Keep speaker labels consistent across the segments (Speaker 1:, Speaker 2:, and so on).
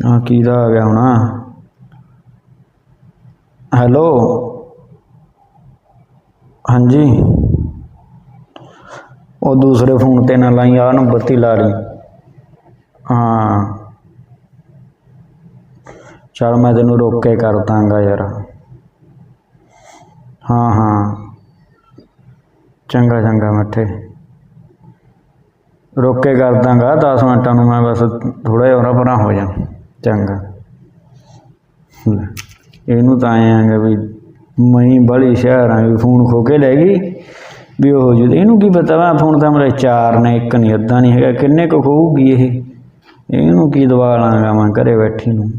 Speaker 1: हाँ किहदा आ गया होना। हेलो हाँ जी, वो दूसरे फोन ते ना लाई, आ नंबर ते ला ली। हाँ चल मैं तेनू रोक के कर दांगा यार। हाँ हाँ चंगा चंगा मिठे, रोक के कर दांगा 10 मिनटां नूं, मैं बस थोड़ा जिहा उरा परां हो जा। चंगा इनू तो आए आंगे भी मई बड़ी शहर भी फोन खो के लै गई भी हो जू, इनू की पता वा फोन तो मेरे 4 ने, एक नहीं अद्धा नहीं है, किन्ने को खोऊगी ये, इनू की दवा लांगा मैं घरे बैठी नूं।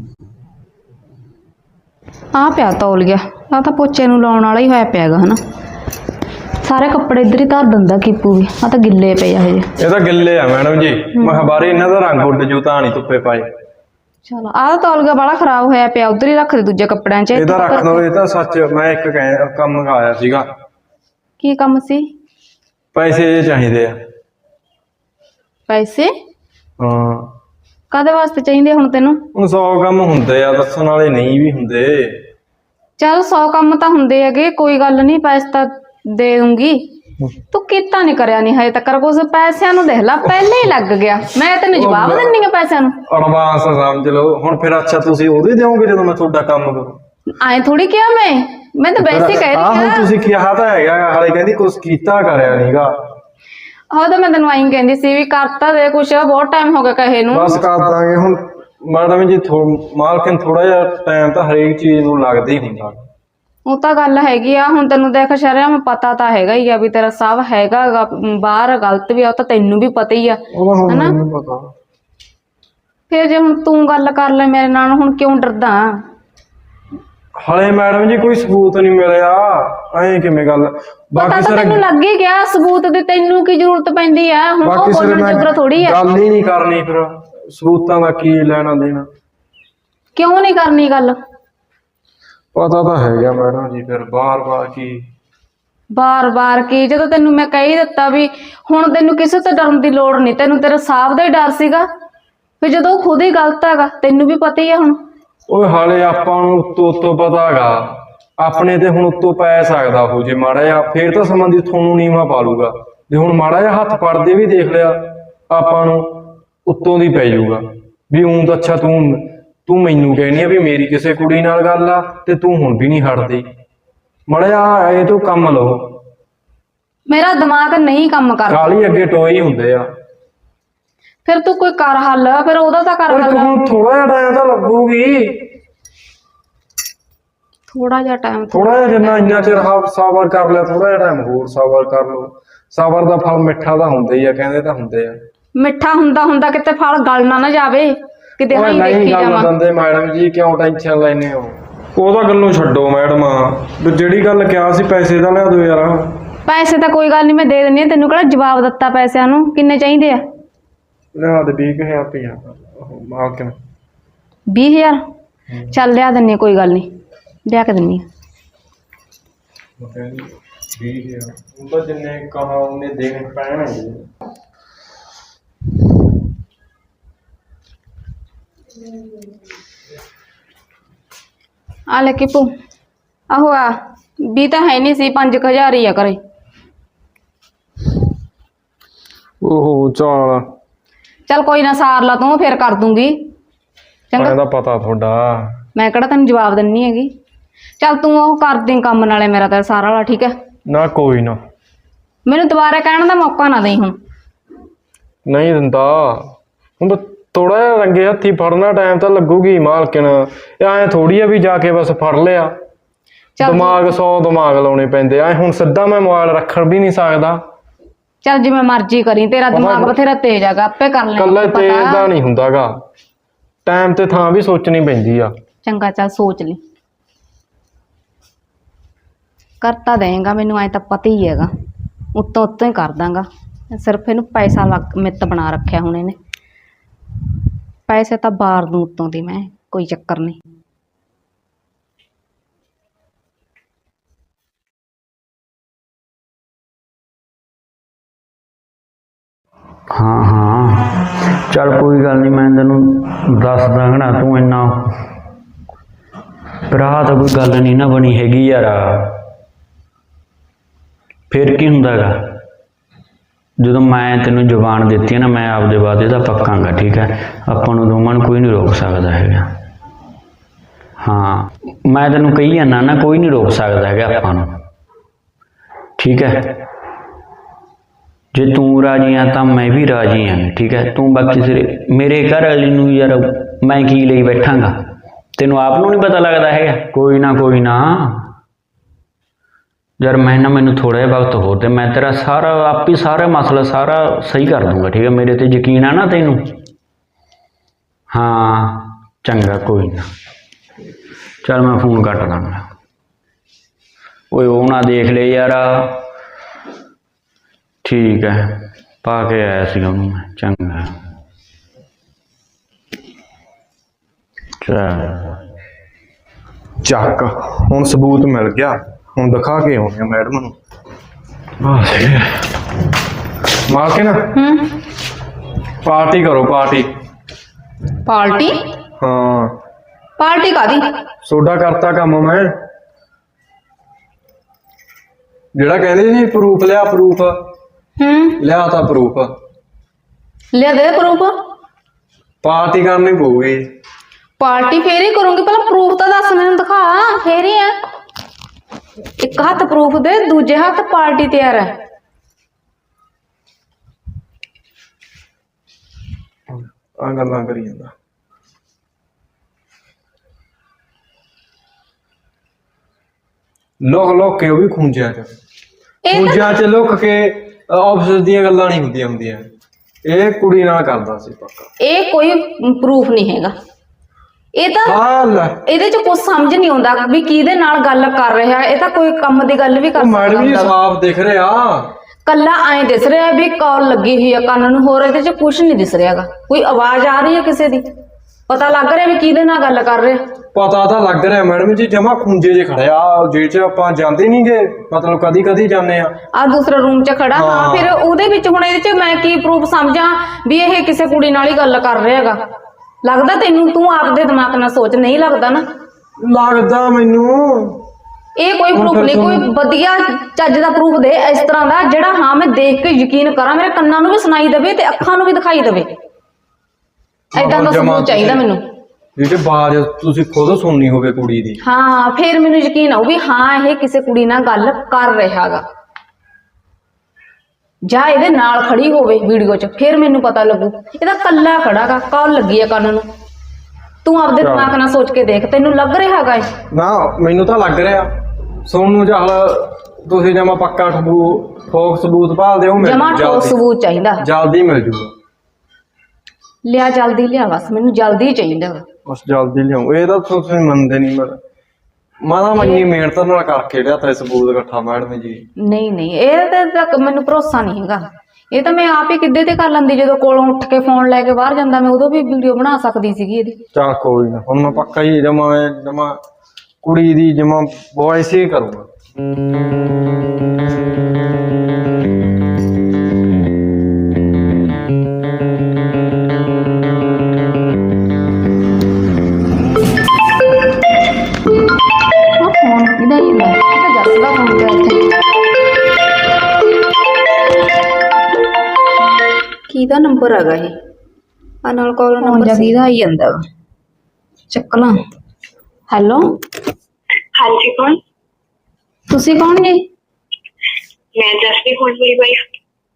Speaker 2: आ पिया तौल गया, आ तो पोचे नूं लाउण वाला ही होया पिया गा हना। सारे कपड़े इधर ही धर दिंदा कीपू भी, आ तो गिले पे हजे।
Speaker 3: ये तो गिले आ मैडम जी, मैं बारे इन्हां दा रंग उड जू तां नहीं धुप्पे पाए।
Speaker 2: चलो आ तो तौल गया बड़ा खराब होया पिया, उधर ही रख दे दूजे कपड़ियां च।
Speaker 3: ਇਹਦਾ ਰੱਖ ਦੋ, ਇਹ ਤਾਂ ਸੱਚ ਮੈਂ ਇੱਕ ਕੰਮ ਆਇਆ ਸੀਗਾ।
Speaker 2: की कम सी?
Speaker 3: ਪੈਸੇ ਚਾਹੀਦੇ ਆ।
Speaker 2: पैसे
Speaker 3: ਹਾਂ
Speaker 2: कादे वास्ते चाहिए हुण तैनूं?
Speaker 3: ਹੁਣ 100 ਕੰਮ ਹੁੰਦੇ ਆ, ਦੱਸਣ ਵਾਲੇ ਨਹੀਂ ਵੀ ਹੁੰਦੇ।
Speaker 2: चल 100 काम तो हुंदे हैगे, कोई गल नहीं, पैसे तो दे दूंगी। तू किता नहीं करया नहीं हजे तक कुछ, पैसिਆਂ ਨੂੰ देख ला पहले ही लग गया। मैं तेन जवाब दिंदी हां पैसिਆਂ ਨੂੰ,
Speaker 3: ਐਡਵਾਂਸ ਸਮਝ ਲਓ ਹੁਣ। ਫਿਰ ਅੱਛਾ ਤੁਸੀਂ ਉਹਦੇ ਦਿਓਗੇ ਜਦੋਂ ਮੈਂ ਤੁਹਾਡਾ ਕੰਮ ਕਰਾਂ?
Speaker 2: ਆਏ ਥੋੜੀ ਕਿਹਾ मैं तो वैसे कह रही
Speaker 3: ਹੁਣ ਤੁਸੀਂ ਕਿਹਾ ਤਾਂ ਹੈਗਾ, ਹਾਲੇ ਕਹਿੰਦੀ ਕੁਝ ਕੀਤਾ ਕਰਿਆ ਨਹੀਂਗਾ।
Speaker 2: ਹਾਂ ਤਾਂ ਮੈਂ ਤੈਨੂੰ ਆਈ ਕਹਿੰਦੀ ਸੀ ਵੀ ਕਰਤਾ ਦੇ ਕੁਛ, ਬਹੁਤ ਟਾਈਮ ਹੋ ਗਿਆ ਕਹੇ ਨੂੰ।
Speaker 3: ਬਸ ਕਰ ਦਾਂਗੇ ਹੁਣ ਮੈਡਮ ਜੀ, ਮਾਲਕਨ ਥੋੜਾ ਜਿਹਾ ਟਾਈਮ ਤਾਂ ਹਰੇਕ ਚੀਜ਼ ਨੂੰ ਲੱਗਦਾ ਹੀ ਹੁੰਦਾ।
Speaker 2: ਉਹ ਤਾਂ ਗੱਲ ਹੈਗੀ ਆ, ਹੁਣ ਤੈਨੂੰ ਦੇਖ ਸ਼ਰਿਆ ਮੈਂ ਪਤਾ ਤਾਂ ਹੈਗਾ ਹੀ ਆ ਵੀ ਤੇਰਾ ਸਭ ਹੈਗਾ ਬਾਹਰ ਗਲਤ ਵੀ ਆ, ਉਹ ਤਾਂ ਤੈਨੂੰ ਵੀ ਪਤਾ ਹੀ ਆ ਹਨਾ। ਫਿਰ ਜੇ ਹੁਣ ਤੂੰ ਗੱਲ ਕਰ ਲੈ ਮੇਰੇ ਨਾਲ, ਹੁਣ ਕਿਉਂ ਡਰਦਾ?
Speaker 3: ਹਲੇ ਮੈਡਮ ਜੀ ਕੋਈ ਸਬੂਤ ਨਹੀਂ ਮਿਲਿਆ, ਐਂ ਕਿਵੇਂ ਗੱਲ?
Speaker 2: ਪਤਾ ਤਾਂ ਤੈਨੂੰ ਲੱਗ ਹੀ ਗਿਆ ਸਬੂਤ ਦੀ, ਤੈਨੂੰ ਕੀ ਜ਼ਰੂਰਤ ਪੈਂਦੀ ਆ ਹੁਣ? ਉਹ ਬੋਲਣ ਜੋਗਰਾ ਥੋੜੀ ਆ।
Speaker 3: ਗੱਲ ਹੀ ਨਹੀਂ ਕਰਨੀ, ਫਿਰ ਸਬੂਤਾਂ ਦਾ ਕੀ ਲੈਣਾ ਦੇਣਾ?
Speaker 2: ਕਿਉਂ ਨਹੀਂ ਕਰਨੀ ਗੱਲ?
Speaker 3: ਪਤਾ ਤਾਂ ਹੈਗਾ ਮੈਡਮ ਜੀ, ਫਿਰ ਬਾਰ-ਬਾਰ ਕੀ
Speaker 2: ਬਾਰ-ਬਾਰ ਕੀ, ਜਦੋਂ ਤੈਨੂੰ ਮੈਂ ਕਹਿ ਦਿੱਤਾ ਵੀ ਹੁਣ ਤੈਨੂੰ ਕਿਸੇ ਤੋਂ ਡਰਨ ਦੀ ਲੋੜ ਨਹੀਂ, ਤੈਨੂੰ ਤੇਰੇ ਸਾਹਬ ਦਾ ਹੀ ਡਰ ਸੀਗਾ ਵੀ ਜਦੋਂ ਖੁਦ ਹੀ ਗਲਤ ਹੈਗਾ, ਤੈਨੂੰ ਵੀ ਪਤਾ ਹੀ ਆ ਹੁਣ।
Speaker 3: ਓਏ ਹਾਲੇ ਆਪਾਂ ਨੂੰ ਉੱਤੋਂ ਪਤਾ ਹੈਗਾ, ਆਪਣੇ ਤੇ ਹੁਣ ਉੱਤੋਂ ਪੈ ਸਕਦਾ ਉਹ ਜੇ ਮਾੜਾ ਜਿਹਾ, ਫੇਰ ਤਾਂ ਸੰਬੰਧੀ ਤੁਹਾਨੂੰ ਨੀਵਾਂ ਪਾ ਲੂਗਾ। ਜੇ ਹੁਣ ਮਾੜਾ ਜਿਹਾ ਹੱਥ ਪੜਦੇ ਵੀ ਦੇਖ ਲਿਆ ਆਪਾਂ ਨੂੰ, ਉੱਤੋਂ ਦੀ ਪੈ ਜਾਊਗਾ ਵੀ ਊਂ ਤਾਂ ਅੱਛਾ ਤੂੰ ਮੈਨੂੰ ਕਹਿਣੀ ਆ ਵੀ ਮੇਰੀ ਕਿਸੇ ਕੁੜੀ ਨਾਲ ਗੱਲ ਆ ਤੇ ਤੂੰ ਹੁਣ ਵੀ ਨਹੀਂ ਹਟਦੀ। ਮਾੜਾ ਜਿਹਾ ਇਹ ਤੋਂ ਕੰਮ ਲਓ।
Speaker 2: ਮੇਰਾ ਦਿਮਾਗ ਨਹੀਂ ਕੰਮ ਕਰਦਾ,
Speaker 3: ਕਾਲੀ ਅੱਗੇ ਟੋਏ ਹੀ ਹੁੰਦੇ ਆ।
Speaker 2: ਫਿਰ ਤੂੰ ਕੋਈ ਕਰ ਹੱਲ, ਫਿਰ ਉਹਦਾ ਤਾਂ ਕਰ ਹੱਲ।
Speaker 3: ਹੁਣ ਥੋੜਾ ਜਿਹਾ ਟਾਈਮ ਤਾਂ ਲੱਗੂਗੀ,
Speaker 2: ਥੋੜਾ ਜਿਹਾ ਟਾਈਮ,
Speaker 3: ਥੋੜਾ ਜਿਹਾ, ਜਿੰਨਾ ਇੰਨਾ ਚਿਰ ਸਬਰ ਕਰ ਲਿਆ, ਥੋੜਾ ਜਿਹਾ ਟਾਈਮ ਹੋਰ ਸਬਰ ਕਰ ਲਓ। ਸਬਰ ਦਾ ਫਲ ਮਿੱਠਾ ਤਾਂ ਹੁੰਦਾ ਹੀ ਆ, ਕਹਿੰਦੇ ਤਾਂ ਹੁੰਦੇ ਆ।
Speaker 2: ਮਿੱਠਾ ਹੁੰਦਾ ਕਿਤੇ ਫਲ ਗਲ ਨਾ ਜਾਵੇ ਕਿਤੇ। ਹਾਂ ਦੇਖੀ ਜਾਵਾਂ
Speaker 3: ਦੰਦੇ ਮੈਡਮ ਜੀ, ਕਿਉਂ ਟੈਨਸ਼ਨ ਲੈਨੇ ਹੋ? ਉਹਦਾ ਗੱਲੋਂ ਛੱਡੋ ਮੈਡਮ, ਜਿਹੜੀ ਗੱਲ ਕਿਹਾ ਸੀ ਪੈਸੇ ਦਾ ਲਿਆ ਦਿਓ ਯਾਰ।
Speaker 2: ਪੈਸੇ ਤਾਂ ਕੋਈ ਗੱਲ ਨਹੀਂ, ਮੈਂ ਦੇ ਦਿੰਦੀ ਹਾਂ। ਤੈਨੂੰ ਕਿਹੜਾ ਜਵਾਬ ਦਿੱਤਾ ਪੈਸਿਆਂ ਨੂੰ? ਕਿੰਨੇ ਚਾਹੀਦੇ ਆ?
Speaker 3: ਲਿਆ ਦੇ 20,000 ਰੁਪਇਆ ਮਾਲਕਨ।
Speaker 2: 20,000 ਚੱਲ ਲਿਆ ਦਿੰਨੀ, ਕੋਈ ਗੱਲ ਨਹੀਂ, ਲਿਆ ਕੇ ਦਿੰਨੀ।
Speaker 3: 20,000 ਉਹ ਤਾਂ ਜਿੰਨੇ ਕਹਾ ਉਹਨੇ ਦੇਣੇ ਪੈਣਗੇ।
Speaker 2: ਆ ਲੈ ਕਿਪੂ, ਆਹੋ ਆ 20 ਤਾਂ ਹੈ ਨਹੀਂ ਸੀ, 5,000 ਹੀ ਆ ਘਰੇ।
Speaker 3: ਓਹੋ
Speaker 2: ਚੱਲ ਕੋਈ ਨਾ, ਸਾਰ ਲਾ ਤੂੰ, ਫਿਰ ਕਰ ਦੂੰਗੀ। ਚੰਗਾ,
Speaker 3: ਇਹਦਾ ਪਤਾ ਤੁਹਾਡਾ,
Speaker 2: ਮੈਂ ਕਿਹੜਾ ਤੈਨੂੰ ਜਵਾਬ ਦਿੰਨੀ ਹੈਗੀ। ਚੱਲ ਤੂੰ ਉਹ ਕਰ ਦੇ ਕੰਮ, ਨਾਲੇ ਮੇਰਾ ਤਾਂ ਸਾਰਾ ਵਾਲਾ ਠੀਕ ਹੈ
Speaker 3: ਨਾ? ਕੋਈ ਨਾ,
Speaker 2: ਮੈਨੂੰ ਦੁਬਾਰਾ ਕਹਿਣ ਦਾ ਮੌਕਾ ਨਾ ਦੇਈ ਹੁਣ।
Speaker 3: ਨਹੀਂ ਦਿੰਦਾ ਹੁਣ, ਥੋੜਾ ਜਿਹਾ ਰੰਗੇ ਹੱਥੀ ਫੜਨਾ ਟਾਈਮ ਤਾਂ ਲੱਗੂਗੀ ਮਾਲਕਨ। ਐ ਥੋੜੀ ਆ ਵੀ ਜਾ ਕੇ ਬਸ ਫੜ ਲਿਆ, ਦਿਮਾਗ 100 ਦਿਮਾਗ ਲਾਉਣੇ ਪੈਂਦੇ ਆ। ਹੁਣ ਸਿੱਧਾ ਮੈਂ ਮੋਬਾਈਲ ਰੱਖਣ ਵੀ ਨਹੀਂ ਸਕਦਾ।
Speaker 2: ਚੱਲ ਜਿਵੇਂ ਮਰਜ਼ੀ ਕਰੀ, ਤੇਰਾ ਦਿਮਾਗ ਬਥੇਰਾ ਤੇਜ਼ ਹੈਗਾ, ਆਪੇ ਕਰ ਲੈ।
Speaker 3: ਕੱਲਾ ਤੇਜ਼ ਦਾ ਨਹੀਂ ਹੁੰਦਾਗਾ, ਟਾਈਮ ਤੇ ਥਾਂ ਵੀ ਸੋਚਣੀ ਪੈਂਦੀ ਆ।
Speaker 2: ਚੰਗਾ ਚੱਲ ਸੋਚ ਲਈ, ਕਰਤਾ ਦੇਗਾ ਮੈਨੂੰ, ਐ ਤਾਂ ਪਤਾ ਹੀ ਹੈਗਾ। ਉੱਤੋਂ ਉੱਤੋਂ ਹੀ ਕਰ ਦਾਂਗਾ, ਸਿਰਫ ਇਹਨੂੰ ਪੈਸਾ ਮਿੱਤ ਬਣਾ ਰੱਖਿਆ ਹੁਣ ਇਹਨੇ। ਪੈਸੇ ਤਾਂ ਬਾਹਰ ਨੂੰ ਉੱਤੋਂ ਦੀ ਮੈਂ, ਕੋਈ ਚੱਕਰ ਨਹੀਂ।
Speaker 1: हाँ हाँ ਚੱਲ ਕੋਈ ਗੱਲ ਨਹੀਂ, ਮੈਂ ਤੈਨੂੰ ਦੱਸ ਦਾਂਗਾ। ਤੂੰ ਇੰਨਾ ਭਰਾ ਤਾਂ ਕੋਈ ਗੱਲ ਨਹੀਂ ਨਾ ਬਣੀ ਹੈਗੀ ਯਾਰ। ਫਿਰ ਕੀ ਹੁੰਦਾ ਗਾ, ਜਦੋਂ ਮੈਂ ਤੈਨੂੰ ਜ਼ੁਬਾਨ ਦਿੱਤੀ ਹੈ ਨਾ, ਮੈਂ ਆਪਦੇ ਵਾਅਦੇ ਦਾ ਪੱਕਾਂਗਾ, ਠੀਕ ਹੈ। ਆਪਾਂ ਨੂੰ ਦੋਵਾਂ ਨੂੰ ਕੋਈ ਨਹੀਂ ਰੋਕ ਸਕਦਾ ਹੈਗਾ। ਹਾਂ, ਮੈਂ ਤੈਨੂੰ ਕਹੀ ਜਾਂਦਾ ਨਾ, ਕੋਈ ਨਹੀਂ ਰੋਕ ਸਕਦਾ ਹੈਗਾ ਆਪਾਂ ਨੂੰ, ਠੀਕ ਹੈ। ਜੇ ਤੂੰ ਰਾਜੀ ਆ ਤਾਂ ਮੈਂ ਵੀ ਰਾਜੀ ਹਾਂ, ਠੀਕ ਹੈ। ਤੂੰ ਬਾਕੀ ਸਿਰੇ ਮੇਰੇ ਘਰ ਵਾਲੀ ਨੂੰ ਯਾਰ ਮੈਂ ਕੀ ਲਈ ਬੈਠਾਂਗਾ, ਤੈਨੂੰ ਆਪ ਨੂੰ ਨਹੀਂ ਪਤਾ ਲੱਗਦਾ ਹੈਗਾ। ਕੋਈ ਨਾ ਯਾਰ, ਮੈਨੂੰ ਥੋੜ੍ਹਾ ਜਿਹਾ ਵਕਤ ਹੋਰ ਤੇ ਮੈਂ ਤੇਰਾ ਸਾਰਾ ਮਸਲਾ ਸਾਰਾ ਸਹੀ ਕਰ ਦੂੰਗਾ, ਠੀਕ ਹੈ। ਮੇਰੇ ਤੇ ਯਕੀਨ ਆ ਨਾ ਤੈਨੂੰ? ਹਾਂ ਚੰਗਾ, ਕੋਈ ਨਾ। ਚੱਲ ਮੈਂ ਫੋਨ ਕੱਟ ਦਾਂਗਾ। ਓਏ ਉਹ ਨਾ ਦੇਖ ਲੈ ਯਾਰ। ਠੀਕ ਹੈ, ਪਾ ਕੇ ਆਇਆ ਸੀਗਾ ਉਹਨੂੰ ਮੈਂ। ਚੰਗਾ
Speaker 3: ਚੱਕ, ਹੁਣ ਸਬੂਤ ਮਿਲ ਗਿਆ। ਹੁਣ ਦਿਖਾ ਕੇ ਆਉਣੇ ਆ ਮੈਡਮ ਨੂੰ। ਮਾਲਕਿਨ, ਪਾਰਟੀ ਕਰੋ, ਪਾਰਟੀ।
Speaker 2: ਪਾਰਟੀ?
Speaker 3: ਹਾਂ,
Speaker 2: ਪਾਰਟੀ ਕਾਦੀ?
Speaker 3: ਸੋਡਾ ਕਰਤਾ ਕੰਮ ਮੈਂ। ਜਿਹੜਾ ਕਹਿੰਦੇ ਸੀ ਪ੍ਰੂਫ ਲਿਆ, ਪ੍ਰੂਫ ਲਿਆ ਤਾਂ ਪ੍ਰੂਫ
Speaker 2: ਲਿਆ ਦੇ ਪ੍ਰੂਫ।
Speaker 3: ਪਾਰਟੀ ਕਰਨੀ ਪਊਗੀ।
Speaker 2: ਪਾਰਟੀ ਫੇਰ ਹੀ ਕਰੂੰਗੀ, ਪਹਿਲਾਂ ਪ੍ਰੂਫ ਤਾਂ ਦੱਸ ਮੈਨੂੰ, ਦਿਖਾ ਫੇਰ ਹੀ ਆ। ਇੱਕ ਹੱਥ ਪ੍ਰੂਫ ਦੇ, ਦੂਜੇ ਹੱਥ ਪਾਰਟੀ ਤਿਆਰ ਹੈ।
Speaker 3: ਆ ਗੱਲਾਂ ਕਰੀ ਜਾਂਦਾ। ਲੋਕ ਕੇ ਉਹ ਵੀ ਖੂੰਜਿਆਂ ਚ ਲੁੱਕ ਕੇ ਆਫਿਸ ਦੀਆਂ ਗੱਲਾਂ ਨਹੀਂ ਹੁੰਦੀਆਂ। ਇਹ ਕੁੜੀ ਨਾਲ ਕਰਦਾ ਸੀ ਪੱਕਾ।
Speaker 2: ਇਹ ਕੋਈ ਪ੍ਰੂਫ ਨਹੀਂ ਹੈਗਾ। ਇਹ ਤਾਂ ਇਹਦੇ ਚ ਕੁਝ ਸਮਝ ਨਹੀਂ ਆਉਂਦਾ ਵੀ ਕਿਹਦੇ ਨਾਲ ਗੱਲ ਕਰ ਰਿਹਾ। ਇਹ ਤਾਂ ਕੋਈ ਕੰਮ ਦੀ ਗੱਲ ਵੀ ਕਰ ਸਕਦਾ।
Speaker 3: ਮੈਡਮ ਜੀ ਸਾਫ਼ ਦਿਖ ਰਿਹਾ,
Speaker 2: ਕੱਲਾ ਐਂ ਦਿਸ ਰਿਹਾ ਵੀ ਕਾਲ ਲੱਗੀ ਹੋਈ ਆ ਕੰਨ ਨੂੰ, ਹੋਰ ਇਹਦੇ ਚ ਕੁਝ ਨਹੀਂ ਦਿਸ ਰਿਹਾਗਾ। ਕੋਈ ਆਵਾਜ਼ ਆ ਰਹੀ ਹੈ ਕਿਸੇ ਦੀ, ਪਤਾ ਲੱਗ ਰਿਹਾ ਵੀ ਕਿਹਦੇ ਨਾਲ ਗੱਲ ਕਰ ਰਿਹਾ।
Speaker 3: ਪਤਾ ਤਾਂ ਲੱਗ ਰਿਹਾ ਮੈਡਮ ਜੀ, ਜਮਾ ਖੁੰਝੇ ਜੇ ਖੜਿਆ। ਜੇ ਚ ਆਪਾਂ ਜਾਂਦੇ ਨਹੀਂਗੇ, ਮਤਲਬ ਕਦੀ ਜਾਂਦੇ ਆ
Speaker 2: ਦੂਸਰਾ ਰੂਮ ਚ ਖੜਾ। ਹਾਂ, ਫਿਰ ਉਹਦੇ ਵਿੱਚ ਹੁਣ ਇਹਦੇ ਚ ਮੈਂ ਕੀ ਪ੍ਰੂਫ ਸਮਝਾਂ ਵੀ ਇਹ ਕਿਸੇ ਕੁੜੀ ਨਾਲ ਹੀ ਗੱਲ ਕਰ ਰਿਹਾ ਹੈਗਾ? ਲੱਗਦਾ ਤੈਨੂੰ? ਤੂੰ ਆਪਦੇ ਦਿਮਾਗ ਨਾਲ ਸੋਚ। ਨਹੀਂ ਲੱਗਦਾ ਨਾ?
Speaker 3: ਲੱਗਦਾ ਮੈਨੂੰ।
Speaker 2: ਇਹ ਕੋਈ ਪ੍ਰੂਫ ਨਹੀਂ। ਕੋਈ ਵਧੀਆ ਚੱਜ ਦਾ ਪ੍ਰੂਫ ਦੇ ਇਸ ਤਰ੍ਹਾਂ ਦਾ ਜਿਹੜਾ ਹਾਂ ਮੈਂ ਦੇਖ ਕੇ ਯਕੀਨ ਕਰਾਂ, ਮੇਰੇ ਕੰਨਾਂ ਨੂੰ ਵੀ ਸੁਣਾਈ ਦੇਵੇ ਤੇ ਅੱਖਾਂ ਨੂੰ ਵੀ ਦਿਖਾਈ ਦੇਵੇ। ਏਦਾਂ ਦਾ ਸਬੂਤ ਚਾਹੀਦਾ ਮੈਨੂੰ।
Speaker 3: ਜਿਹੜੇ ਬਾਜ ਤੁਸੀਂ ਖੁਦ ਸੁਣਨੀ ਹੋਵੇ ਕੁੜੀ ਦੀ।
Speaker 2: ਹਾਂ, ਫਿਰ ਮੈਨੂੰ ਯਕੀਨ ਆਊ ਵੀ ਹਾਂ ਇਹ ਕਿਸੇ ਕੁੜੀ ਨਾਲ ਗੱਲ ਕਰ ਰਿਹਾਗਾ, ਜਾਂ ਇਹਦੇ ਨਾਲ ਖੜੀ ਹੋਵੇ ਵੀਡੀਓ 'ਚ, ਫਿਰ ਮੈਨੂੰ ਪਤਾ ਲੱਗੂ। ਇਹਦਾ ਕੱਲਾ ਖੜਾਗਾ, ਕਾਲ ਲੱਗੀ ਆ ਕੰਨ ਨੂੰ। ਤੂੰ ਆਪਦੇ ਦਿਮਾਗ ਨਾਲ ਸੋਚ ਕੇ ਦੇਖ, ਤੈਨੂੰ ਲੱਗ ਰਿਹਾਗਾ ਇਹ?
Speaker 3: ਨਾ, ਮੈਨੂੰ ਤਾਂ ਲੱਗ ਰਿਹਾ। ਸੁਣ ਨੂੰ ਚੱਲ ਤੁਸੀਂ ਜਮਾ ਪੱਕਾ ਠੋਕ ਸਬੂਤ ਭਾਲਦੇ ਹੋ?
Speaker 2: ਜਮਾ ਠੋਕ ਸਬੂਤ ਚਾਹੀਦਾ,
Speaker 3: ਜਲਦੀ ਮਿਲ ਜੂਗਾ।
Speaker 2: ਲਿਆ, ਜਲਦੀ ਲਿਆ, ਬਸ ਮੈਨੂੰ ਜਲਦੀ ਚਾਹੀਦਾ।
Speaker 3: ਬਸ ਜਲਦੀ ਲਿਆਓ। ਇਹ ਤਾਂ ਤੁਸੀਂ ਮੰਨਦੇ ਨਹੀਂ। ਮਾਦਾ ਮੰਨੀ ਮਿਹਨਤ ਨਾਲ ਕਰਕੇ ਲਿਆ ਤਾਂ ਸਬੂਤ ਇਕੱਠਾ ਮੈਡਮ ਜੀ।
Speaker 2: ਨਹੀਂ, ਇਹ ਤਾਂ ਮੈਨੂੰ ਭਰੋਸਾ ਨਹੀਂ ਹੈਗਾ। ਇਹ ਤਾਂ ਮੈਂ ਆਪ ਹੀ ਕਿੱਦੇ ਤੇ ਕਰ ਲੈਂਦੀ। ਜਦੋਂ ਕੋਲੋਂ ਉੱਠ ਕੇ ਫੋਨ ਲੈ ਕੇ ਬਾਹਰ ਜਾਂਦਾ, ਮੈਂ ਉਦੋਂ ਵੀ ਵੀਡੀਓ ਬਣਾ ਸਕਦੀ ਸੀਗੀ ਇਹਦੀ।
Speaker 3: ਚੱਲ ਕੋਈ ਨਾ, ਹੁਣ ਮੈਂ ਪੱਕਾ ਹੀ ਜਮਾ ਕੁੜੀ ਦੀ ਜਮਾ ਵੌਇਸ ਹੀ ਕਰੂੰਗਾ।
Speaker 2: ਕਿਹਦਾ ਨੰਬਰ ਹੈਗਾ ਇਹ? ਆ ਨਾਲ ਕਾਲ ਨੰਬਰ ਸੀਦਾ ਆਈ ਜਾਂਦਾ ਵਾ, ਚੱਕ ਲਾਂ। ਹੈਲੋ,
Speaker 4: ਹਾਂਜੀ, ਕੌਣ?
Speaker 2: ਤੁਸੀਂ ਕੌਣ ਜੀ?
Speaker 4: ਮੈਂ ਜਸਪ੍ਰੀਤ ਹੋਣ ਵਾਲੀ ਵਾਈਫ।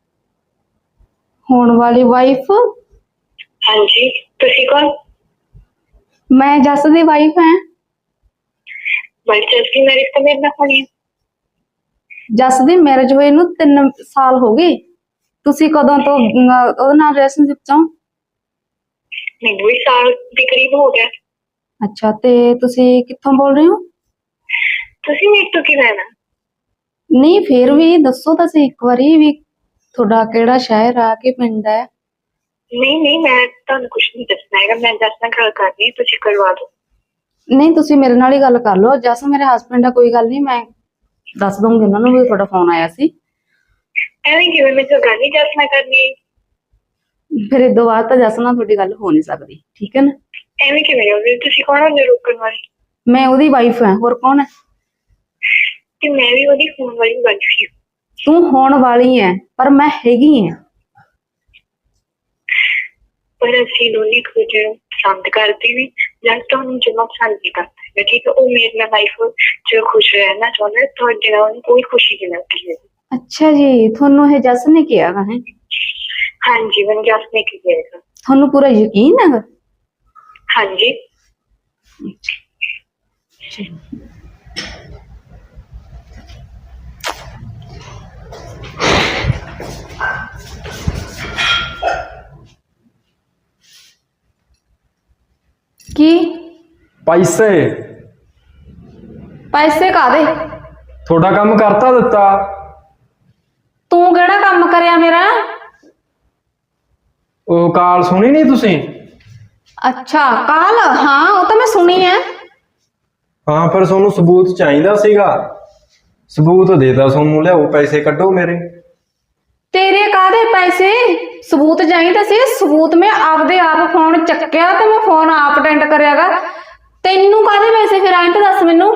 Speaker 2: ਹੋਣ ਵਾਲੀ ਵਾਈਫ?
Speaker 4: ਹਾਂਜੀ, ਤੁਸੀਂ ਕੌਣ?
Speaker 2: ਮੈਂ ਜਸ ਦੀ ਵਾਈਫ ਹਾਂ।
Speaker 4: ਵਾਈਫ ਜਸ ਦੀ ਮੈਰਿਜ ਤਾਂ ਮੇਰੇ ਨਾਲ ਹੋਣੀ ਹੈ।
Speaker 2: ਜਸ ਦੀ ਮੈਰਿਜ ਹੋਏ ਨੂੰ 3 ਸਾਲ ਹੋ ਗਏ। ਤੁਸੀਂ ਕਦੋਂ ਤੋਂ ਉਹਦੇ ਨਾਲ ਰਿਲੇਸ਼ਨਸ਼ਿਪ ਚ ਹੋ?
Speaker 4: ਮੈਨੂੰ ਵੀ ਸਾਲ ਦੇ ਕਰੀਬ ਹੋ ਗਿਆ।
Speaker 2: ਅੱਛਾ, ਤੇ ਤੁਸੀਂ ਕਿੱਥੋਂ ਬੋਲ ਰਹੇ ਹੋ?
Speaker 4: ਤੁਸੀਂ ਮੇਰੇ ਤੋਂ ਕੀ ਲੈਣਾ?
Speaker 2: ਨਹੀਂ, ਫੇਰ ਵੀ ਦੱਸੋ ਤਾਂ ਸਹੀ ਇੱਕ ਵਾਰੀ ਵੀ ਤੁਹਾਡਾ ਕਿਹੜਾ ਸ਼ਹਿਰ ਆ, ਕਿ ਪਿੰਡ ਹੈ?
Speaker 4: ਨਹੀਂ, ਮੈਂ ਤੁਹਾਨੂੰ ਕੁਝ ਨਹੀਂ ਦੱਸਣਾ ਹੈਗਾ। ਮੈਂ ਜਸ ਨਾਲ ਗੱਲ ਕਰਨੀ, ਤੁਸੀਂ ਕਰਵਾ ਦਿਓ।
Speaker 2: ਨਹੀਂ, ਤੁਸੀਂ ਮੇਰੇ ਨਾਲ ਹੀ ਗੱਲ ਕਰ ਲਓ। ਜਸ ਮੇਰੇ ਹਸਬੈਂਡ ਆ, ਕੋਈ ਗੱਲ ਨਹੀਂ, ਮੈਂ ਦੱਸ ਦੂੰਗੀ ਉਹਨਾਂ ਨੂੰ ਵੀ ਤੁਹਾਡਾ ਫੋਨ ਆਇਆ ਸੀ।
Speaker 4: ਐਵੇਂ ਕਿਵੇਂ? ਮੈਂ ਤਾਂ ਗੱਲ ਹੀ ਜਸ ਨਾਲ ਕਰਨੀ ਹੈ।
Speaker 2: ਫਿਰ ਇਹ ਤੋਂ ਬਾਅਦ ਤਾਂ ਜਸ ਨਾਲ ਤੁਹਾਡੀ ਗੱਲ ਹੋ ਨਹੀਂ ਸਕਦੀ, ਠੀਕ ਹੈ ਨਾ।
Speaker 4: ਐਵੇਂ ਕਿਵੇਂ ਹੋ ਗਏ? ਤੁਸੀਂ ਕੌਣ ਹੁੰਦੇ ਰੋਕਣ ਵਾਲੇ?
Speaker 2: ਮੈਂ ਉਹਦੀ ਵਾਈਫ ਹਾਂ, ਹੋਰ ਕੌਣ ਹੈ?
Speaker 4: ਤੇ ਮੈਂ ਵੀ ਉਹਦੀ ਫੋਨ ਵਾਲੀ ਗੱਲ ਸੀ।
Speaker 2: ਤੂੰ ਹੋਣ ਵਾਲੀ ਹੈ ਪਰ ਮੈਂ ਹੈਗੀ ਹਾਂ।
Speaker 4: ਪਰ ਅਸੀਂ ਦੋਨੇ ਇੱਕ ਦੂਜੇ ਨੂੰ ਪਸੰਦ ਕਰਦੇ ਨੇ, ਜਦ ਤੁਹਾਨੂੰ ਜਮਾ ਪਸੰਦ ਨਹੀਂ ਕਰਦਾ, ਠੀਕ ਹੈ। ਉਹ ਮੇਰੇ ਨਾਲ ਲਾਈਫ ਚ ਖੁਸ਼ ਰਹਿਣਾ ਚਾਹੁੰਦਾ, ਤੁਹਾਡੇ ਨਾਲ ਉਹਨੂੰ ਕੋਈ ਖੁਸ਼ੀ ਨਹੀਂ ਲੱਗਦੀ ਹੈ।
Speaker 2: ਅੱਛਾ ਜੀ, ਤੁਹਾਨੂੰ ਇਹ ਜਸ ਨੇ ਕਿਹਾ ਹੈ?
Speaker 4: ਹਾਂਜੀ, ਮੈਨੂੰ ਜਸ ਨੇ ਕੀ ਕਿਹਾ?
Speaker 2: ਤੁਹਾਨੂੰ ਪੂਰਾ ਯਕੀਨ ਹੈਗਾ?
Speaker 4: ਹਾਂਜੀ।
Speaker 2: ਕੀ
Speaker 3: ਪੈਸੇ
Speaker 2: ਪੈਸੇ ਕਾਦੇ?
Speaker 3: ਤੁਹਾਡਾ ਕੰਮ ਕਰਤਾ ਦਿੱਤਾ।
Speaker 2: ਤੂੰ ਕਿਹੜਾ ਕੰਮ ਕਰਿਆ ਮੇਰਾ?
Speaker 3: ਉਹ ਕਾਲ ਸੁਣੀ ਨਹੀਂ ਤੁਸੀਂ?
Speaker 2: ਅੱਛਾ ਕਾਲ, ਹਾਂ ਉਹ ਤਾਂ ਮੈਂ ਸੁਣੀ ਹੈ।
Speaker 3: ਹਾਂ, ਫਿਰ ਤੁਹਾਨੂੰ ਸਬੂਤ ਚਾਹੀਦਾ ਸੀਗਾ, ਸਬੂਤ ਦੇਤਾ ਤੁਹਾਨੂੰ, ਲਿਆਓ ਪੈਸੇ ਕੱਢੋ ਮੇਰੇ।
Speaker 2: ਤੇਰੇ ਕਾਦੇ ਪੈਸੇ? ਸਬੂਤ ਚਾਹੀਦਾ ਸੀ, ਸਬੂਤ ਮੈਂ ਆਪਦੇ ਆਪ ਫੋਨ ਚੱਕਿਆ ਤੇ ਮੈਂ ਫੋਨ ਆਪ ਅਟੈਂਡ ਕਰਿਆਗਾ। ਤੈਨੂੰ ਕਾਦੇ ਪੈਸੇ ਫਿਰ ਆਏ ਤਾਂ ਦੱਸ ਮੈਨੂੰ।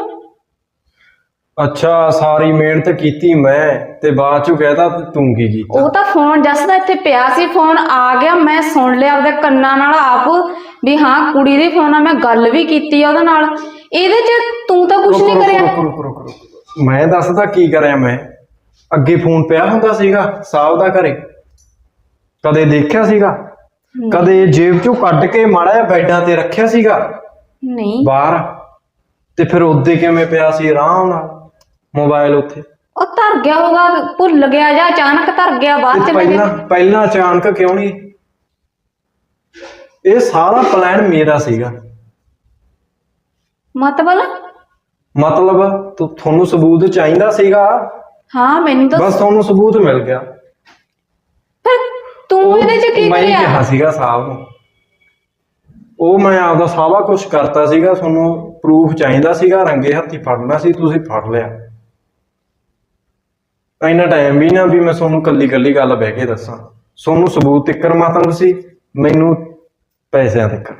Speaker 3: ਅੱਛਾ, ਸਾਰੀ ਮਿਹਨਤ ਕੀਤੀ ਮੈਂ ਤੇ ਬਾਅਦ ਚੋਂ ਕਹਿਤਾ ਤੂੰ ਕੀ ਕੀਤਾ?
Speaker 2: ਉਹ ਤਾਂ ਫੋਨ ਜਸ ਦਾ ਇੱਥੇ ਪਿਆ ਸੀ, ਫੋਨ ਆ ਗਿਆ, ਮੈਂ ਸੁਣ ਲਿਆ ਆਪਦੇ ਕੰਨਾਂ ਨਾਲ ਆਪ ਵੀ ਹਾਂ ਕੁੜੀ ਦੇ ਫੋਨ ਆ, ਮੈਂ ਗੱਲ ਵੀ ਕੀਤੀ ਆ ਉਹਦੇ ਨਾਲ। ਇਹਦੇ ਚ ਤੂੰ ਤਾਂ ਕੁਝ ਨਹੀਂ ਕਰਿਆ।
Speaker 3: ਰੁਕੋ, ਮੈਂ ਦੱਸਦਾ ਕੀ ਕਰਿਆ ਮੈਂ। ਅੱਗੇ ਫੋਨ ਪਿਆ ਹੁੰਦਾ ਸੀਗਾ ਸਾਹਿਬ ਦਾ ਘਰੇ, ਕਦੇ ਦੇਖਿਆ ਸੀਗਾ? ਕਦੇ ਜੇਬ ਚੋਂ ਕੱਢ ਕੇ ਮਾੜਾ ਜਿਹਾ ਬੈਡਾਂ ਤੇ ਰੱਖਿਆ ਸੀਗਾ
Speaker 2: ਨਹੀਂ।
Speaker 3: ਬਾਹਰ? ਤੇ ਫਿਰ ਉੱਦੇ ਕਿਵੇਂ ਪਿਆ ਸੀ ਆਰਾਮ ਨਾਲ ਮੋਬਾਈਲ ਉੱਥੇ?
Speaker 2: ਉਹ ਧਰ ਗਿਆ ਹੋਗਾ, ਭੁੱਲ ਗਿਆ ਜਾਂ ਅਚਾਨਕ ਧਰ ਗਿਆ, ਬਾਅਦ ਚ
Speaker 3: ਪਹਿਲਾਂ ਅਚਾਨਕ ਕਿਉਂ ਨਹੀਂ? ਇਹ ਸਾਰਾ ਪਲਾਨ ਮੇਰਾ ਸੀਗਾ। ਮਤਲਬ ਤੁਹਾਨੂੰ ਸਬੂਤ ਚਾਹੀਦਾ ਸੀਗਾ?
Speaker 2: ਹਾਂ ਮੈਨੂੰ ਤਾਂ
Speaker 3: ਬਸ ਤੁਹਾਨੂੰ ਸਬੂਤ ਮਿਲ ਗਿਆ।
Speaker 2: ਫਿਰ ਤੂੰ ਇਹਦੇ ਚ ਕੀ
Speaker 3: ਮੈਂ
Speaker 2: ਕਰਿਆ?
Speaker 3: ਕਿਹਾ ਸੀਗਾ ਸਾਹਿਬ ਨੂੰ, ਉਹ ਮੈਂ ਆਪਦਾ ਸਾਰਾ ਕੁਝ ਕਰਤਾ ਸੀਗਾ, ਤੁਹਾਨੂੰ ਪ੍ਰੂਫ ਚਾਹੀਦਾ ਸੀਗਾ, ਰੰਗੇ ਹੱਥੀ ਫੜਨਾ ਸੀ, ਤੁਸੀਂ ਫੜ ਲਿਆ। ਇੰਨਾ ਟਾਈਮ ਵੀ ਨਾ ਵੀ ਮੈਂ ਤੁਹਾਨੂੰ ਕੱਲੀ ਗੱਲ ਬਹਿ ਕੇ ਦੱਸਾਂ। ਤੁਹਾਨੂੰ ਸਬੂਤ ਤਿੱਕਰ ਮਤਲਬ ਸੀ, ਮੈਨੂੰ ਪੈਸਿਆਂ ਤਿੱਕਰ।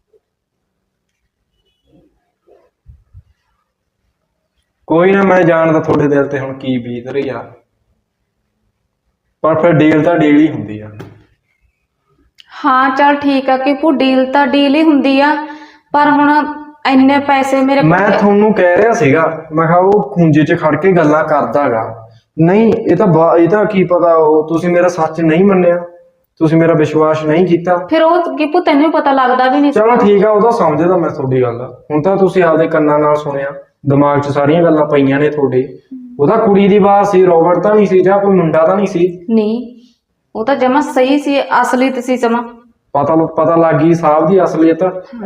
Speaker 3: ਕੋਈ ਨਾ, ਮੈਂ ਜਾਣਦਾ ਤੁਹਾਡੇ ਦਿਲ ਤੇ ਹੁਣ ਕੀ ਬੀਤ ਰਹੀ ਆ, ਪਰ ਫਿਰ ਡੀਲ ਤਾਂ ਡੀਲ ਹੀ ਹੁੰਦੀ ਆ।
Speaker 2: ਹਾਂ ਚੱਲ ਠੀਕ ਆ ਕਿ ਡੀਲ ਤਾਂ ਡੀਲ ਹੀ ਹੁੰਦੀ ਆ, ਪਰ ਹੁਣ ਇੰਨੇ ਪੈਸੇ ਮੇਰੇ ਕੋਲ।
Speaker 3: ਮੈਂ ਤੁਹਾਨੂੰ ਕਹਿ ਰਿਹਾ ਸੀਗਾ, ਮੈਂ ਕਿਹਾ ਉਹ ਖੂੰਜੇ 'ਚ ਖੜ ਕੇ ਗੱਲਾਂ ਕਰਦਾਗਾ। ਨਹੀਂ, ਇਹ ਤਾਂ ਕੀ ਪਤਾ, ਉਹ ਤੁਸੀਂ ਮੇਰਾ ਸੱਚ ਨਹੀਂ ਮੰਨਿਆ, ਤੁਸੀਂ ਮੇਰਾ ਵਿਸ਼ਵਾਸ ਨਹੀਂ ਕੀਤਾ।
Speaker 2: ਫਿਰ ਉਹ ਕਿਪੂ ਤੈਨੂੰ ਪਤਾ ਲੱਗਦਾ ਵੀ ਨਹੀਂ।
Speaker 3: ਚਲੋ ਠੀਕ ਆ, ਉਹਦਾ ਸਮਝਦਾ ਮੈਂ ਤੁਹਾਡੀ ਗੱਲ। ਹੁਣ ਤਾਂ ਤੁਸੀਂ ਆਪਦੇ ਕੰਨਾਂ ਨਾਲ ਸੁਣਿਆ, ਦਿਮਾਗ 'ਚ ਸਾਰੀਆਂ ਗੱਲਾਂ ਪਈਆਂ ਨੇ ਤੁਹਾਡੇ। ਉਹਦਾ ਕੁੜੀ ਦੀ ਆਵਾਜ਼ ਸੀ, ਰੋਬਰਟ ਤਾਂ ਨਹੀਂ ਸੀ, ਜਾਂ ਕੋਈ ਮੁੰਡਾ ਤਾਂ ਨਹੀਂ ਸੀ?
Speaker 2: ਨਹੀਂ, ਉਹ ਤਾਂ ਜਮਾ ਸਹੀ ਸੀ, ਅਸਲੀਅਤ ਸੀ ਜਮਾ।
Speaker 3: ਪਤਾ ਲੱਗ ਗਈ ਸਾਹਿਬ ਦੀ ਅਸਲੀਅਤ।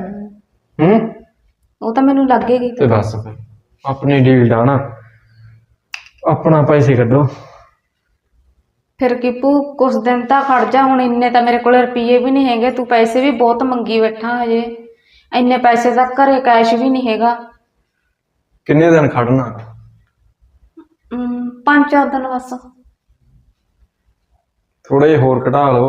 Speaker 2: ਉਹ ਤਾਂ ਮੈਨੂੰ ਲੱਗੇਗੀ।
Speaker 3: ਤੇ ਬਸ ਫਿਰ ਆਪਣੀ ਡੀਲ ਦਾ ਨਾ ਆਪਣਾ ਪੈਸੇ ਕੱਢੋ।
Speaker 2: ਫਿਰ ਕਿਪੂ ਕੁਛ ਦਿਨ ਤਾਂ ਖੜ ਜਾ, ਹੁਣ ਇੰਨੇ ਤਾਂ ਮੇਰੇ ਕੋਲ ਰੁਪਈਏ ਵੀ ਨਹੀਂ ਹੈਗੇ, ਤੂੰ ਪੈਸੇ ਵੀ ਬਹੁਤ ਮੰਗੀ ਬੈਠਾ, ਹਜੇ ਇੰਨੇ ਪੈਸੇ ਤਾਂ ਘਰੇ ਕੈਸ਼ ਵੀ ਨਹੀਂ ਹੈਗਾ।
Speaker 3: ਕਿੰਨੇ ਦਿਨ ਖੜਨਾ?
Speaker 2: 5-4 ਦਿਨ ਬਸ।
Speaker 3: ਥੋੜੇ ਜਿਹੇ ਹੋਰ ਘਟਾ ਲਓ।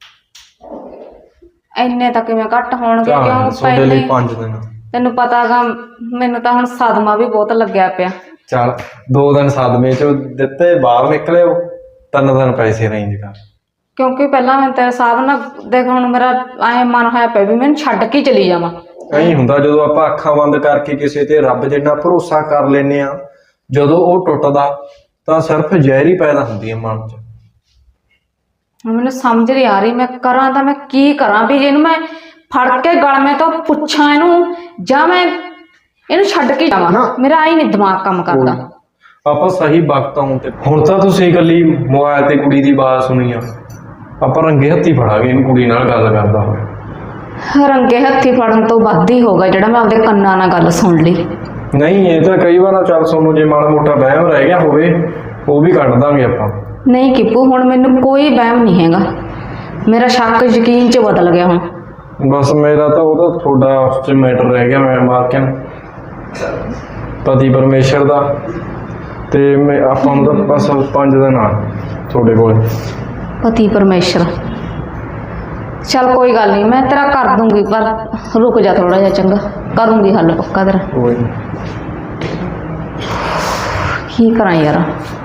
Speaker 2: ਇੰਨੇ ਤਾਂ ਕਿਵੇਂ ਘੱਟ ਹੋਣਗੇ, ਕਿਉਂ
Speaker 3: ਤੁਹਾਡੇ ਲਈ 5 ਦਿਨ।
Speaker 2: ਤੈਨੂੰ ਪਤਾਗਾ ਮੈਨੂੰ ਤਾਂ ਹੁਣ ਸਦਮਾ ਵੀ ਬਹੁਤ ਲੱਗਿਆ ਪਿਆ।
Speaker 3: ਚੱਲ 2 ਦਿਨ ਸਦਮੇ ਚੋਂ ਦਿੱਤੇ, ਬਾਹਰ ਨਿਕਲੇ ਹੋ, 3 ਦਿਨ ਪੈਸੇ ਅਰੇਂਜ ਕਰ।
Speaker 2: ਕਿਉਂਕਿ ਪਹਿਲਾਂ ਮੈਂ ਤੇਰੇ ਹਿਸਾਬ ਨਾਲ ਦੇਖ, ਹੁਣ ਮੇਰਾ ਐ ਮਨ ਹੋਇਆ ਪਿਆ ਵੀ ਮੈਨੂੰ ਛੱਡ ਕੇ ਚਲੀ ਜਾਵਾਂ।
Speaker 3: ਨਹੀਂ ਹੁੰਦਾ, ਜਦੋਂ ਆਪਾਂ ਅੱਖਾਂ ਬੰਦ ਕਰਕੇ ਕਿਸੇ ਤੇ ਰੱਬ ਜਿੰਨਾ ਭਰੋਸਾ ਕਰ ਲੈਨੇ ਆ, ਜਦੋਂ ਉਹ ਟੁੱਟਦਾ ਤਾਂ ਸਿਰਫ ਜ਼ਹਿਰ ਹੀ ਪੈਦਾ ਹੁੰਦੀ ਹੈ ਮਨ 'ਚ।
Speaker 2: ਮੈਨੂੰ ਸਮਝ ਨਹੀਂ ਆ ਰਹੀ, ਮੈਂ ਕਰਾਂ ਤਾਂ ਮੈਂ ਕੀ ਕਰਾਂ? ਵੀ ਇਹਨੂੰ ਮੈਂ ਫੜ ਕੇ ਗਲਮੇ ਤੋਂ ਪੁੱਛਾਂ ਇਹਨੂੰ, ਜਾਂ ਮੈਂ ਇਹਨੂੰ ਛੱਡ ਕੇ ਜਾਵਾਂ? ਮੇਰਾ ਆਈ ਨਹੀਂ ਦਿਮਾਗ ਕੰਮ ਕਰਦਾ।
Speaker 3: ਆਪਾਂ ਸਹੀ ਵਕਤ ਆਉਣ ਤੇ। ਹੁਣ ਤਾਂ ਤੁਸੀਂ ਇਕੱਲੀ ਮੋਬਾਈਲ ਤੇ ਕੁੜੀ ਦੀ ਆਵਾਜ਼ ਸੁਣੀ ਆ, ਆਪਾਂ ਰੰਗੇ ਹੱਥੀ ਫੜਾਂਗੇ ਇਹਨੂੰ, ਕੁੜੀ ਨਾਲ ਗੱਲ ਕਰਦਾ ਹੋਇਆ।
Speaker 2: ਰੰਗੇ ਹੱਥੀ ਫੜਨ ਤੋਂ ਵੱਧ ਹੀ ਹੋਗਾ ਜਿਹੜਾ ਮੈਂ ਆਪਦੇ ਕੰਨਾਂ ਨਾਲ ਗੱਲ ਸੁਣ ਲਈ।
Speaker 3: ਨਹੀਂ, ਇਹ ਤਾਂ ਕਈ ਵਾਰ ਚੱਲ ਤੁਹਾਨੂੰ ਜੇ ਮਾੜਾ ਮੋਟਾ ਵਹਿਮ ਰਹਿ ਗਿਆ ਹੋਵੇ, ਉਹ ਵੀ ਕੱਢ ਦਾਂਗੇ ਆਪਾਂ।
Speaker 2: ਨਹੀਂ ਕਿਪੂ, ਹੁਣ ਮੈਨੂੰ ਕੋਈ ਵਹਿਮ ਨਹੀਂ ਹੈਗਾ, ਮੇਰਾ ਸ਼ੱਕ ਯਕੀਨ 'ਚ ਬਦਲ ਗਿਆ ਹੁਣ।
Speaker 3: ਬਸ ਮੇਰਾ ਤਾਂ ਉਹਦਾ ਤੁਹਾਡਾ ਉਸ 'ਚ ਮੈਟਰ ਰਹਿ ਗਿਆ, ਮੈਂ ਮਾਰਕਿਆ ਪਤੀ ਪਰਮੇਸ਼ਰ ਦਾ, ਤੇ ਮੈਂ ਆਪਾਂ ਨੂੰ ਤਾਂ ਬਸ 5 ਦਿਨ ਆ ਤੁਹਾਡੇ ਕੋਲ।
Speaker 2: ਪਤੀ ਪਰਮੇਸ਼ਰ चल कोई गल नहीं, मैं तेरा कर दूंगी, पर रुक जा थोड़ा जा, चंगा करूंगी हल पक्का तेरा।
Speaker 1: ਕੋਈ
Speaker 2: की करा यार,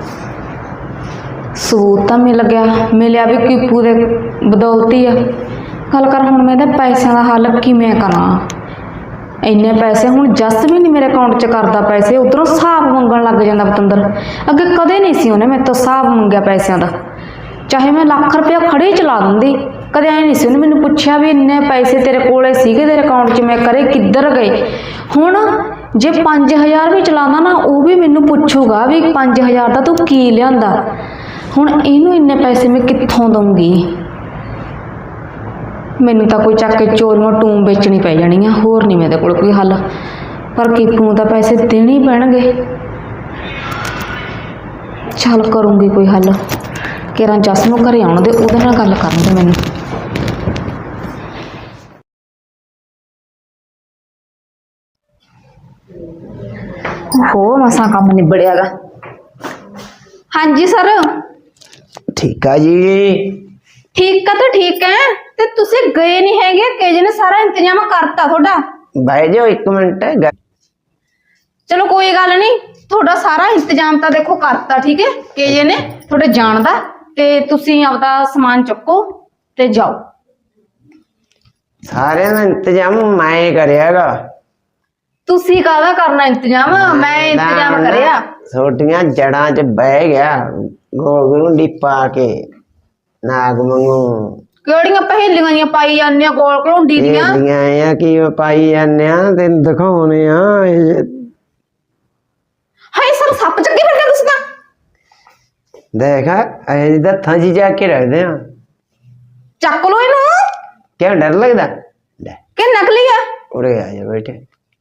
Speaker 2: सबूत तो मिलिया भी कीपू दे बदौलती है। गल कर हुण मैं पैसों का हल किवें करा? इन्ने पैसे हुण जस भी नहीं मेरे अकाउंट च करदा पैसे, उधरों हिसाब मंगण लग जांदा पतंदर। अगे कदे नहीं सी उन्हें मेरे तो हिसाब मंगिया पैसों का, चाहे मैं लाख रुपया खड़े ही चला दूंदी, कदे ऐ नहीं सी उन्हें मैनूं पुछया भी इन्ने पैसे तेरे कोले सीगे तेरे अकाउंट च, मैं करे किधर गए। हुण जे 5000 भी चलाना ना, वो भी मैनूं पुछूगा भी 5000 का तू की लिआंदा। हुण इहनूं इन्ने पैसे मैं कित्थों दूंगी? मैनूं तां कोई चक के चोरियों टूम बेचनी पै जानी है, होर नहीं मेरे कोल कोई हल। पर कीपू नूं तां पैसे देने ही पैणगे। चल करूँगी कोई हल, केरा जस नूं घरे आउण दे, उहदे नाल गल करन दे मैनूं। हो मसा काम निबड़िया गा। हाँ जी सर।
Speaker 5: ठीक है जी।
Speaker 2: ठीक है तो ठीक है, ते तुसी गए नहीं हैगे, केजे ने सारा इंतजाम करता थोड़ा।
Speaker 5: भाई जो एक मिनट है।
Speaker 2: चलो कोई गल नहीं, थोड़ा सारा इंतजाम तो देखो करता, ठीक है। केजे ने थोड़े जानदा, ते तुसी आपदा सामान चुको ते जाओ।
Speaker 5: सारे का इंतजाम मैं करेगा।
Speaker 2: तुसी काहदा करना इंतजाम, मैं इंतजाम करिया।
Speaker 5: छोटियां जड़ा च बह गया, गोल गुंडी पा के नाग मंगू
Speaker 2: केड़ियां पहेलियां पाई जाने गोल घलौंडी दियां
Speaker 5: आ कि पाई जाने तेन दिखाने आ।
Speaker 2: हाय सर सप चक्के फिर तुसी तां
Speaker 5: देखा हथा जी जाके रखते हैं।
Speaker 2: चक लो इनू।
Speaker 5: क्या डर लगता?
Speaker 2: कि नकली है?
Speaker 5: उरे आ जा बेटे,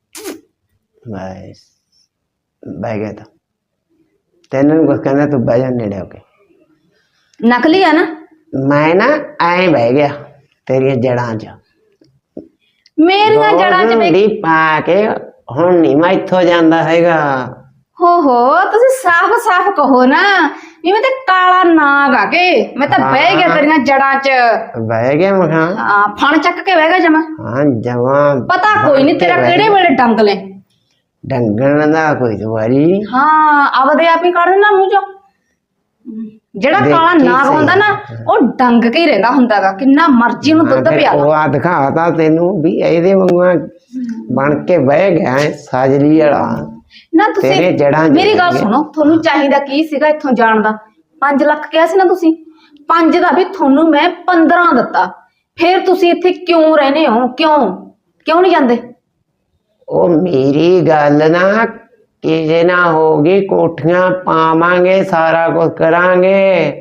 Speaker 5: बस बह गया था। तेन कुछ कहना, तू बह जा नेड़े होके।
Speaker 2: नकली है ना?
Speaker 5: मैं ना आए बह गया तेरिया जड़ा च,
Speaker 2: मेरिया जड़ा च
Speaker 5: डी पा के हुण नहीं मैं इत्थों जांदा हैगा।
Speaker 2: हो तुसी साफ साफ कहो ना भी मैं ते काला नाग आ के मैं तो बह गया तेरिया जड़ा च।
Speaker 5: बह गया मखा?
Speaker 2: हां, फण चक के बह गया जमा।
Speaker 5: हां जमा। पता
Speaker 2: कोई नहीं तेरा केड़े वेले डंग ले
Speaker 5: डंगण दा कोई दुआरी।
Speaker 2: हां, आवदे आप ही काढ़ देना मुंह चो। जेड़ा काला नाग हुंदा ना, ओ डंग के ही रहंदा हुंदागा, किन्ना मर्जी नु दुੱਧ पिया लो।
Speaker 5: ओ दिखाता तेनू भी एदे वांगू बन के बह गया है साजली वाला
Speaker 2: ना। तुसी मेरी गल सुनो, थोनू चाहिदा की सीगा इत्थों जाण दा? 5 लाख किहा सी ना तुसी, 5 दा भी थोनू मैं 15 दित्ता, फिर तुसी इत्थे क्यों रहने हो? क्यों नहीं जांदे?
Speaker 5: ओ मेरी गल ना किसे ना होगी, कोठियां पावांगे, सारा कुछ करांगे।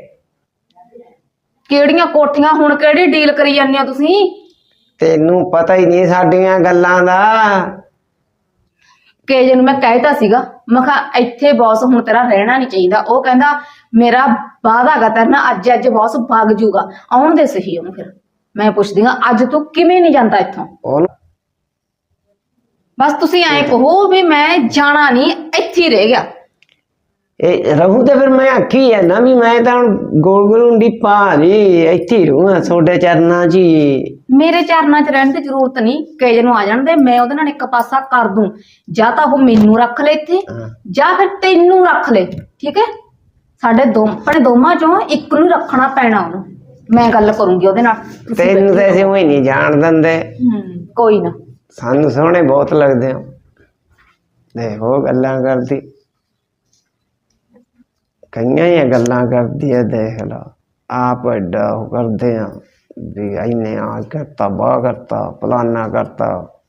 Speaker 2: केड़ियां कोठियां? हुण केड़ी डील करी जांदे हो तुसी?
Speaker 5: तेनू पता ही नहीं साडियां गल्लां दा।
Speaker 2: केजे नूं मैं कहता सीगा, मैं कहा इत्थे बॉस हुण तेरा रहना नहीं चाहिदा। ओ कहंदा मेरा वादा गा तेरे नाल, अज बॉस भाग जूगा। आउण दे सही ओनू, फिर मैं पुछदी हां अज तू किवें नहीं जांदा इत्थों? बस तुसी ऐ कहो भी मैं जाना नहीं, इत्थे ही रह गया।
Speaker 5: रहूं तो फिर मैं आखी है ना भी मैं तो गोल गलूंडी पा ली, इत्थे ही रहूंगा थोड़े चरना च।
Speaker 2: मेरे चरना च रहने की जरूरत नहीं, केजे नूं आ जाण दे, मैं ओहदे नाल एक पासा कर दूं। जा तां ओह मैनू रख ले इत्थे, जा फिर तैनू रख ले, ठीक है। साडे अपने दोवां चों इक नूं रखना पैना ओनू। मैं गल करूंगी ओहदे नाल।
Speaker 5: तैनू तो ऐसे ही नहीं जान दिंदे।
Speaker 2: कोई ना,
Speaker 5: सानू सोहणे बहुत लगदे हो। देखो गल्लां करदी, कईयां ही गल्लां करदी है, देख लो आप एडा करदे हैं भी इन्ने आ करता, बाह करता, फलाना करता।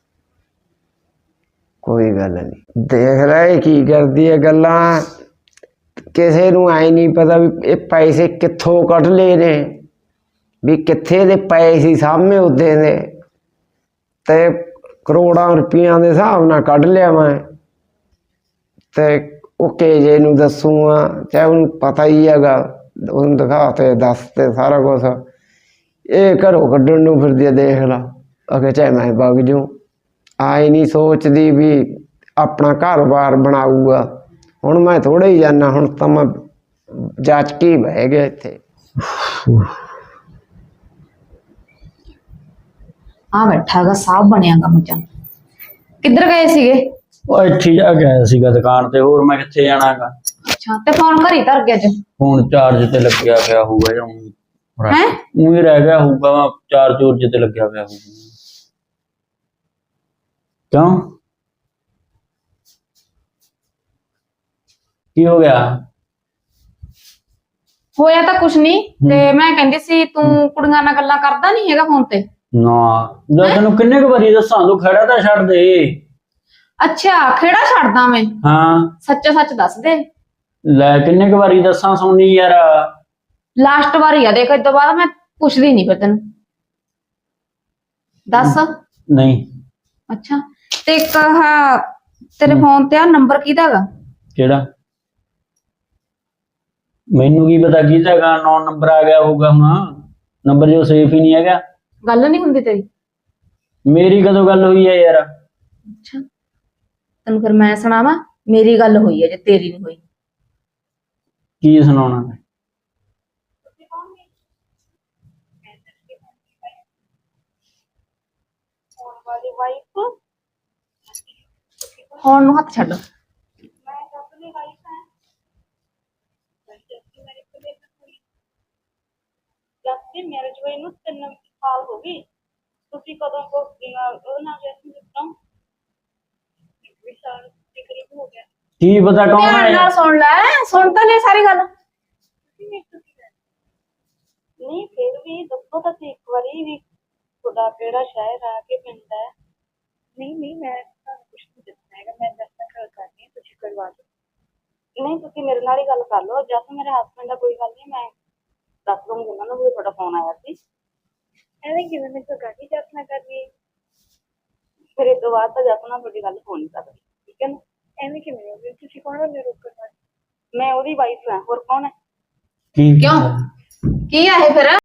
Speaker 5: कोई गल नहीं, देख रहे की करदी है गल्लां। किसे नूं आई नहीं पता भी ये पैसे कित्थों कढ ले ने, भी कित्थे दे पए सी सामने उदे दे, ते करोड़ां रुपया के हिसाब नाल कढ लिया मैं। ते ਉਹ केजे नूं दसूंगा, चाहे उन्हें पता ही हैगा, उन्हें दिखाते दसते सारा कुछ। ये घरों कड्ढण नूं फिरदी है, देख ला अगे चाहे मैं वग जूं। आई नहीं सोचदी भी अपना घर बार बनाऊगा। हुण मैं थोड़े ही जाना, हुण तां मैं जच के ही बह गया इत्थे।
Speaker 2: ਆ ਬੈਠਾਗਾ ਸਾਹਬ ਬਣਿਆਗਾ ਮੱਚਾ। ਕਿੱਧਰ ਗਏ ਸੀਗੇ?
Speaker 1: ਉਹ ਇੱਥੇ ਜਾ ਕੇ ਆਇਆ ਸੀਗਾ ਦੁਕਾਨ ਤੇ, ਹੋਰ ਮੈਂ ਕਿੱਥੇ ਜਾਣਾਗਾ।
Speaker 2: ਅੱਛਾ, ਤੇ ਫੋਨ ਘਰੀ ਧਰ ਗਿਆ ਅੱਜ?
Speaker 1: ਫੋਨ ਚਾਰਜ ਤੇ ਲੱਗਿਆ ਪਿਆ ਹੋਊਗਾ ਜਾਂ
Speaker 2: ਹੈਂ?
Speaker 1: ਉਹੀ ਰਹਿ ਗਿਆ ਹੋਊਗਾ, ਵਾ ਚਾਰਜ ਤੇ ਲੱਗਿਆ ਪਿਆ ਹੋਊਗਾ। ਕਿਉਂ, ਕੀ ਹੋ ਗਿਆ?
Speaker 2: ਹੋਇਆ ਤਾਂ ਕੁਛ ਨਹੀਂ, ਤੇ ਮੈਂ ਕਹਿੰਦੀ ਸੀ ਤੂੰ ਕੁੜੀਆਂ ਨਾਲ ਗੱਲਾਂ ਕਰਦਾ ਨਹੀਂ ਹੈਗਾ ਫੋਨ ਤੇ?
Speaker 1: ਨਾ, ਜੇ ਤੈਨੂੰ ਕਿੰਨੇ ਕੁ ਵਾਰੀ ਦੱਸਾਂ, ਤੂੰ ਖੜਾ ਤਾਂ ਛੱਡ ਦੇ।
Speaker 2: ਅੱਛਾ, ਖੇੜਾ ਛੱਡਦਾ ਮੈਂ?
Speaker 1: ਹਾਂ,
Speaker 2: ਸੱਚਾ ਸੱਚ ਦੱਸ ਦੇ।
Speaker 1: ਲੈ ਕਿੰਨੇ ਕੁ ਵਾਰੀ ਦੱਸਾਂ, ਸੋਨੀ ਯਾਰ।
Speaker 2: ਲਾਸਟ ਵਾਰੀ ਆ, ਦੇਖ, ਇਸ ਤੋਂ ਬਾਅਦ ਮੈਂ ਪੁੱਛਦੀ ਨਹੀਂ ਫਿਰ ਤੈਨੂੰ। ਦੱਸ।
Speaker 1: ਨਹੀਂ।
Speaker 2: ਅੱਛਾ, ਤੇ ਇੱਕ ਆਹ ਤੇਰੇ ਫੋਨ ਤੇ ਆ ਨੰਬਰ ਕਿਹਦਾ ਹੈਗਾ?
Speaker 1: ਕਿਹੜਾ? ਮੈਨੂੰ ਕੀ ਪਤਾ ਕਿਹਦਾ ਹੈਗਾ, 9 ਨੰਬਰ ਆ ਗਿਆ ਹੋਊਗਾ ਹੁਣ। ਨੰਬਰ ਜੋ ਸੇਫ ਹੀ ਨਹੀਂ ਹੈਗਾ।
Speaker 2: ਗੱਲ ਨਹੀਂ ਹੁੰਦੀ ਤੇਰੀ?
Speaker 1: ਮੇਰੀ ਕਦੋਂ ਗੱਲ ਹੋਈ ਹੈ ਯਾਰ?
Speaker 2: ਅੱਛਾ, ਤੈਨੂੰ ਫਿਰ ਮੈਂ ਸੁਣਾਵਾਂ, ਮੇਰੀ ਗੱਲ ਹੋਈ ਹੈ ਜੇ ਤੇਰੀ ਨਹੀਂ ਹੋਈ।
Speaker 1: ਕੀ ਸੁਣਾਉਣਾ?
Speaker 2: ਫੋਨ ਨੂੰ ਹੱਥ ਛੱਡ।
Speaker 6: ਜੱਸੀ ਮੈਰਿਜ ਹੋਈ ਨੂੰ 3 ਸਾਲ ਹੋ ਗਈ। ਤੁਸੀਂ ਕਦੋਂ ਕੋ ਉਹ ਨਾ ਜੈਸੀ ਦਿੱਤਾ? 1 ਸਾਲ ਦੇ ਕਰੀਬ ਹੋ ਗਿਆ।
Speaker 1: ਕੀ ਪਤਾ ਕੌਣ
Speaker 2: ਧਿਆਨ
Speaker 1: ਹੈ?
Speaker 2: ਨਾਲ ਸੁਣ ਲੈ, ਸੁਣ ਤਾਂ ਲੈ ਸਾਰੀ ਗੱਲ।
Speaker 6: ਨਹੀਂ ਫਿਰ ਵੀ ਦੱਸੋ ਤਾਂ ਇੱਕ ਵਾਰੀ ਵੀ ਤੁਹਾਡਾ ਕਿਹੜਾ ਸ਼ਹਿਰ ਆ ਕੇ ਪਿੰਡ ਹੈ? ਨਹੀਂ ਮੈਂ ਤੁਹਾਨੂੰ ਕੁਛ ਨਹੀਂ ਦੱਸਣਾ ਹੈਗਾ, ਮੈਂ ਦੱਸਣਾ ਗੱਲ ਕਰਨੀ ਹੈ, ਤੁਸੀਂ ਕਰਵਾ ਦਿਓ। ਨਹੀਂ ਤੁਸੀਂ ਮੇਰੇ ਨਾਲ ਹੀ ਗੱਲ ਕਰ ਲਓ, ਜਦ ਮੇਰੇ ਹਸਬੈਂਡ ਦਾ ਕੋਈ ਗੱਲ ਨਹੀਂ, ਮੈਂ ਦੱਸ ਦੂੰਗੀ ਉਹਨਾਂ ਨੂੰ ਵੀ ਤੁਹਾਡਾ ਫੋਨ ਆਇਆ ਸੀ। ਐਵੇਂ ਕਿਵੇਂ ਮੈਂ ਤਾਂ ਗੱਲ ਹੀ ਜਦ ਨਾ ਕਰਨੀ, ਫਿਰ ਇਸ ਤੋਂ ਬਾਅਦ ਤਾਂ ਜਦ ਨਾਲ ਤੁਹਾਡੀ ਗੱਲ ਹੋ ਨਹੀਂ ਸਕਦੀ, ਠੀਕ ਹੈ ਨਾ? ਐਵੇਂ ਕਿਵੇਂ ਹੋ ਗਈ? ਤੁਸੀਂ ਕੌਣ ਹੋ ਮੇਰੇ ਰੋਕਣ ਵਾਲੇ? ਮੈਂ ਉਹਦੀ ਵਾਈਫ ਹਾਂ, ਹੋਰ ਕੌਣ ਹੈ?
Speaker 1: ਕੀ
Speaker 2: ਕਿਉਂ? ਕੀ ਆ ਇਹ ਫਿਰ?